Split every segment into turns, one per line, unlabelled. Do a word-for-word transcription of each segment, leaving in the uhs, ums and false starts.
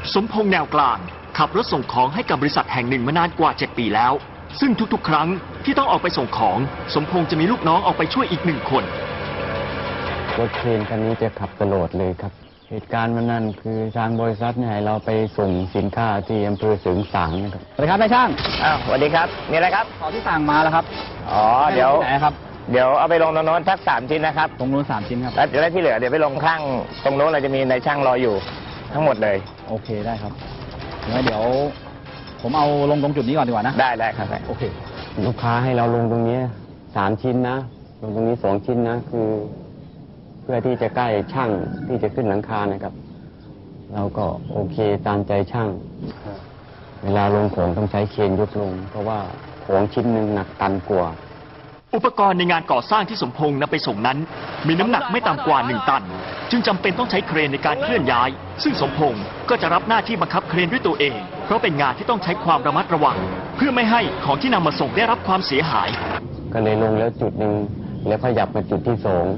สมพงษ์แนวกลางขับรถส่งของให้กับบริษัทแห่งหนึ่งมานานกว่าเจ็ดปีแล้วซึ่งทุกๆครั้งที่ต้องออกไปส่งของสมพงษ์จะมีลูกน้องออกไปช่วยอีกหนึ่งคน
รถเครนคันนี้จะขับตลอดเลยครับเหตุการณ์วันนั้นคือทางบริษัทเนี่ยเราไปส่งสินค้าที่อำเภอเสริงสางนะครับ
สวัสดีครับนายช่าง
อ้าวสวัสดีครับมีอะไรครับ
ของที่สั่งมาแล้วครับ
อ๋อเดี๋ยว
ไหนครับ
เดี๋ยวเอาไปลงตรงโน้นทักสามชิ้นนะครับ
ตรงโน้นสามชิ้นครับ
แล้วเดี๋ยวที่เหลือเดี๋ยวไปลงข้างตรงโน้นเราจะมีนายช่างรออยู่ทั้งหมดเลย
โอเคได้ครับงั้นเดี๋ยวผมเอาลงตรงจุดนี้ก่อนดีกว่านะ
ได้ได้ครับ
โอเค
ลูกค้าให้เราลงตรงนี้สามชิ้นนะลงตรงนี้สองชิ้นนะคือเพื่อที่จะใกล้ช่างที่จะขึ้นหลังคานะครับเราก็โอเคตามใจช่างเวลาลงของต้องใช้เครนยกลงเพราะว่าของชิ้นหนึ่งหนักตันกว่า
อุปกรณ์ในงานก่อสร้างที่สมพงษ์นำไปส่งนั้นมีน้ำหนักไม่ต่ำกว่าหนึ่งตันจึงจำเป็นต้องใช้เครนในการเคลื่อนย้ายซึ่งสมพงษ์ก็จะรับหน้าที่บังคับเครนด้วยตัวเองเพราะเป็นงานที่ต้องใช้ความระมัดระวังเพื่อไม่ให้ของที่นำมาส่งได้รับความเสียหาย
ก็เลยลงแล้วจุดหนึ่งแล้วขยับมาจุดที่สอง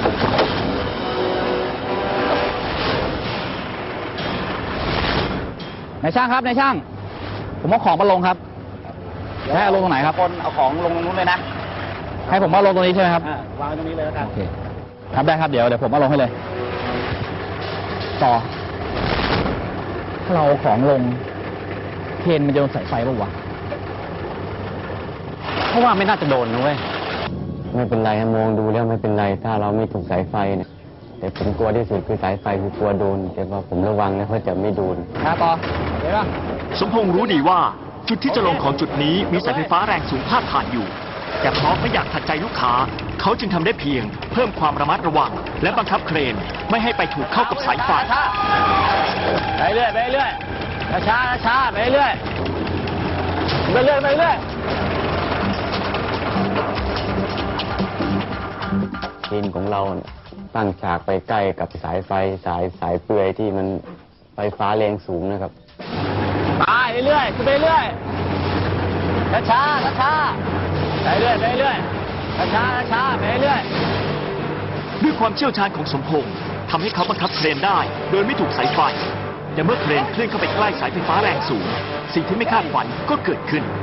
นายช่างครับนายช่างผมเอาของมาลงครับให้เอาลงตรงไหนครับ
คนเอาของลงตรงนู้นเลยนะ
ให้ผมมาลงตรงนี้ใช่ไหมครับ
วางตรงนี้เลยแล้วกัน
โอเคครับได้ครับเดี๋ยวเดี๋ยวผมมาลงให้เลยต่อถ้าเราของลงเคนมันจะโดนสายไฟป่าววะ
เพราะว่าไม่น่าจะโดนนะเว้ยไม่เป็นไรมองดูแล้วไม่เป็นไรถ้าเราไม่ถูกสายไฟเนี่ยแต่ผมกลัวที่สุดคือสายไฟคือกลัวโดนแต่ว่าผมระวังนะเพราะจะไม่โดน
ครับต่อเดี๋ยว
สมพงษ์รู้ดีว่าจุดที่จะลงของจุดนี้มีสายไฟฟ้าแรงสูงพาดผ่านอยู่แต่เพราะไม่อยากขัดใจลูกค้าเขาจึงทำได้เพียงเพิ่มความระมัดระวังและบังคับเครนไม่ให้ไปถูกเข้ากับสายไฟ
ไปเรื่อยไปเรื่อยช้าช้าไปเรื่อยไปเรื่อยไปเรื่อย
เครนของเราตั้งฉากไปใกล้กับสายไฟสายสายเปลือยที่มันไฟฟ้าแรงสูงนะครับ
ไปเรื่อยไปเรื่อยช้าช้าไปเรื่อยไปเรื่อยช้าช้าไปเรื่อย
ด้วยความเชี่ยวชาญของสมพงษ์ทำให้เขาบังคับเครนได้โดยไม่ถูกสายไฟแต่เมื่อเครนเคลื่อนเข้าไปใกล้สายไฟฟ้าแรงสูงสิ่งที่ไม่คาดฝันก็เกิดขึ้น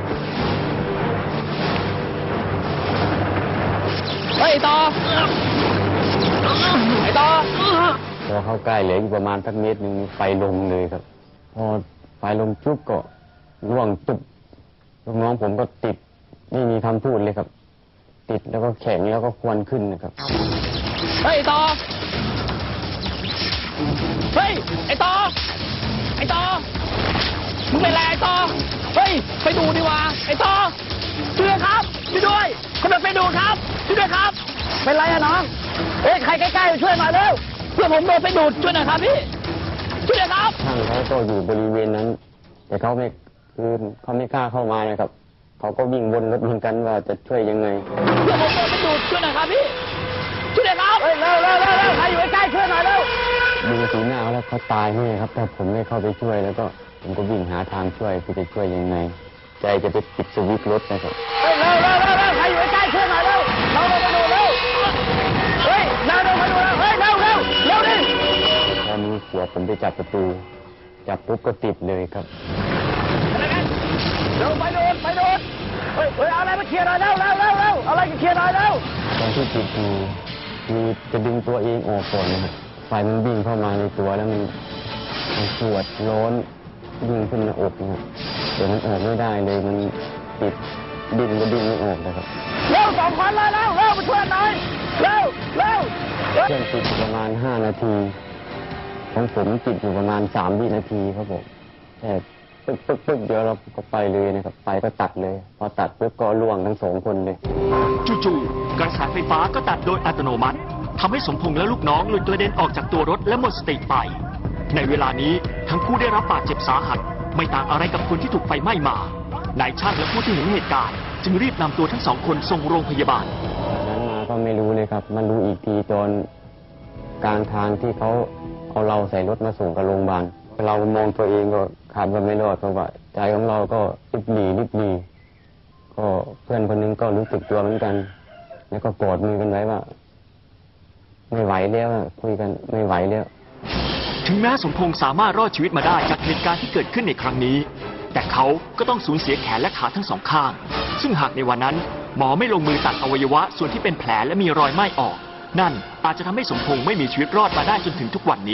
เฮ้ยต่อไอ้ต่อ
พอเข้าใกล้เหลืออีกประมาณสักเมตรหนึ่งไฟลงเลยครับพอไฟลงจุ๊บก็ร่วงจุ๊บลูกน้องผมก็ติดไม่มีคำพูดเลยครับติดแล้วก็แข็งแล้วก็ควันขึ้นนะครับ
เฮ้ยต่อเฮ้ยไอ้ต่อไอ้ต่อมึงเป็นไรไอ้ต่อเฮ้ยไปดูดีว่าไอ้ต่อช่วยครับช่วยด้วยคนไปดูครับช่วยด้วยครับเป็นไรอะน้องเฮ้ยใครใกล้ๆช่วยมาเร็วเพื่อผมโดนไปดูดช่วยหน่อยครับพี่ช่วยด้วยครับ
ช่างเขาก็อยู่บริเวณนั้นแต่เขาไม่คือเขาไม่กล้าเข้ามานะครับเขาก็วิ่งวนรถเหมือนกันว่าจะช่วยยังไง
เพื่อผมโดนไปดูดช่วยหน่อยครับพี่ช่วยด้วยครับเฮ้ยเร็วเร็วเร็วเร็วใครอยู่ใกล้ช่วยหน่อยเร็ว
ดูสีหน้าแล้วเขาตายแน่ครับถ้าผมไม่เข้าไปช่วยแล้วก็ผมก็วิ่งหาทางช่วยคือจะช่วยยังไงใจจะไปปิดสวิตช์รถนะครับ
เฮ้ยเร็วเร็วเร็วเร็วใครอยู่ใกล้ช่วยหน่อยเร็วเราไปดูเร็วเฮ้ยเร็วเร็วไปดูเร็วเฮ้ยเร็วเร็วเร็วดิ
พอมีขวดผมไปจับประตูจับปุ๊บก็ติดเลยครับ
เร็วไปโดนไปโดนเฮ้ยเฮ้ยเอาอะไรมาเคลียร์หน่อยเร็วเร็วเร็วเร็วเอาอะไรมาเคลียร์หน่อยเร็ว
ตอนที่ติดอยู่คือจะดึงตัวเองออกก่อนนะครับไฟมันวิ่งเข้ามาในตัวแล้วมันมันปวดร้อนวิ่งขึ้นหน้าอกนะครับเดี๋ยวมันออกไม่ได้เลยมันติดดิ้นก็ดิ้นไม่ออกนะครับ
เร็วสองคนเลยเร็วเร็วมาช่วยหน่อยเร็วเร็ว
เครื่องติดประมาณห้านาทีของผมติดอยู่ประมาณสามวินาทีครับผมแต่ปึ๊กปึ๊กปึ๊กเดี๋ยวเราก็ไปเลยนะครับไฟก็ตัดเลยพอตัดปึ๊บก็ล่วงทั้งสองคนเลย
จู่ๆกระแสไฟฟ้าก็ตัดโดยอัตโนมัติทำให้สมพงษ์และลูกน้องหลุดกระเด็นออกจากตัวรถและหมดสติไปในเวลานี้ทั้งคู่ได้รับบาดเจ็บสาหัสไม่ต่างอะไรกับคนที่ถูกไฟไหม้มานายช่างและผู้ที่เห็นเหตุการณ์จึงรีบนำตัวทั้งสองคนส่งโรงพยาบาล
นั้นมาก็ไม่รู้เลยครับมันรู้อีกทีตอนกลางทางที่เขาเอาเราใส่รถมาส่งกับโรงพยาบาลเรามองตัวเองก็ขาดว่าไม่รอดเพราะว่าใจของเราก็ริบหรี่ริบหรี่ก็เพื่อนคนนึงก็รู้สึกตัวเหมือนกันแล้วก็กอดมือกันไว้ว่าไม่ไหวแล้วคุยกันไม่ไหวแล้ว
ถึงแม้สมพงษ์สามารถรอดชีวิตมาได้จากเหตุการณ์ที่เกิดขึ้นในครั้งนี้ แต่เขาก็ต้องสูญเสียแขนและขาทั้งสองข้าง ซึ่งหากในวันนั้นหมอไม่ลงมือตัดอวัยวะส่วนที่เป็นแผลและมีรอยไหม้ออก นั่นอาจจะทำให้สมพงษ์ไม่มีชีวิตรอดมาได้จนถึงทุกวันนี้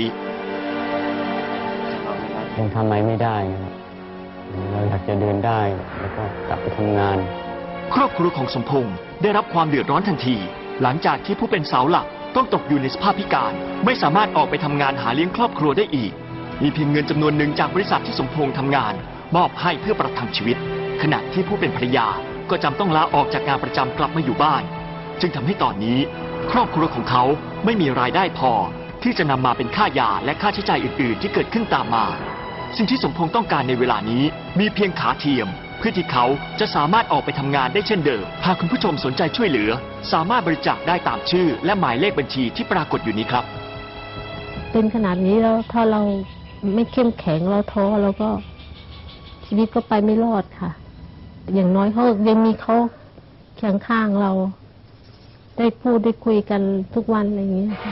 ยังทำอะไรไม่ได้นะครับเราอยากจะเดินได้แล้วก็กลับไปทำงาน
ครอบครัวของสมพงษ์ได้รับความเดือดร้อนทันที หลังจากที่ผู้เป็นเสาหลักต้องตกอยู่ในสภาพพิการ ไม่สามารถออกไปทำงานหาเลี้ยงครอบครัวได้อีก มีเพียงเงินจำนวนหนึ่งจากบริษัทที่สมพงษ์ทำงาน มอบให้เพื่อประทังชีวิต ขณะที่ผู้เป็นภรรยาก็จำต้องลาออกจากงานประจำกลับมาอยู่บ้าน จึงทำให้ตอนนี้ ครอบครัวของเขาไม่มีรายได้พอ ที่จะนำมาเป็นค่ายาและค่าใช้จ่ายอื่น ๆ ที่เกิดขึ้นตามมา สิ่งที่สมพงษ์ต้องการในเวลานี้มีเพียงขาเทียม เพื่อที่เขาจะสามารถออกไปทำงานได้เช่นเดิม หากคุณผู้ชมสนใจช่วยเหลือ สามารถบริจาคได้ตามชื่อ และหมายเลขบัญชีที่ปรากฏอยู่นี้ครับ
เป็นขนาดนี้แล้วถ้าเราไม่เข้มแข็งเราท้อเราก็ชีวิตก็ไปไม่รอดค่ะ อย่างน้อยเขายังมีเขาเคียงข้างเรา ได้พูดได้คุยกันทุกวันอะไรอย่างนี้ค่ะ